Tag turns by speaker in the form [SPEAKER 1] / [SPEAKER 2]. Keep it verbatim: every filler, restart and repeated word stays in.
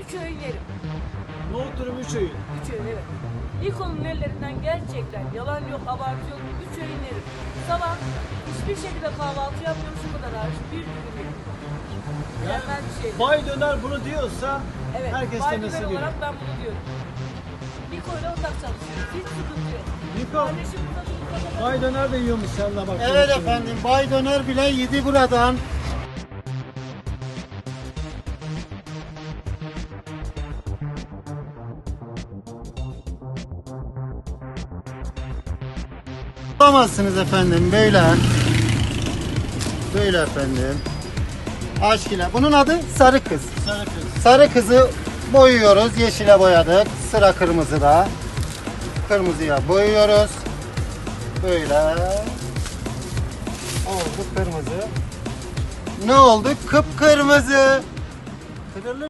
[SPEAKER 1] Üç öğün yerim.
[SPEAKER 2] Nohut dürüm üç öğün.
[SPEAKER 1] Üç öğün evet. İlk onun ellerinden gerçekten yalan yok, abartı yok. Üç öğün yerim. Sabah hiçbir şekilde kahvaltı yapmıyorum şu kadar hariç. Bir dürüm yerim. Mükemmel bir şey.
[SPEAKER 2] Bay Döner bunu diyorsa
[SPEAKER 1] Evet,
[SPEAKER 2] herkes
[SPEAKER 1] Bay
[SPEAKER 2] demesi
[SPEAKER 1] Döner
[SPEAKER 2] gibi.
[SPEAKER 1] olarak ben bunu diyorum. Niko'yla ortak çalışıyoruz. Hiç sıkıntı yok.
[SPEAKER 2] Niko,
[SPEAKER 1] Kardeşim burada durursa
[SPEAKER 2] Bay Döner de yiyormuş seninle bak.
[SPEAKER 3] Evet efendim, Bay Döner bile yedi buradan. Bulamazsınız efendim böyle. Böyle efendim. Aşkına. Bunun adı sarı kız.
[SPEAKER 2] Sarı kız.
[SPEAKER 3] Sarı kızı boyuyoruz. Yeşile boyadık. Sıra kırmızıda. Kırmızıya boyuyoruz. Böyle. Oldu kırmızı. Ne oldu? Kıpkırmızı. Kırılır.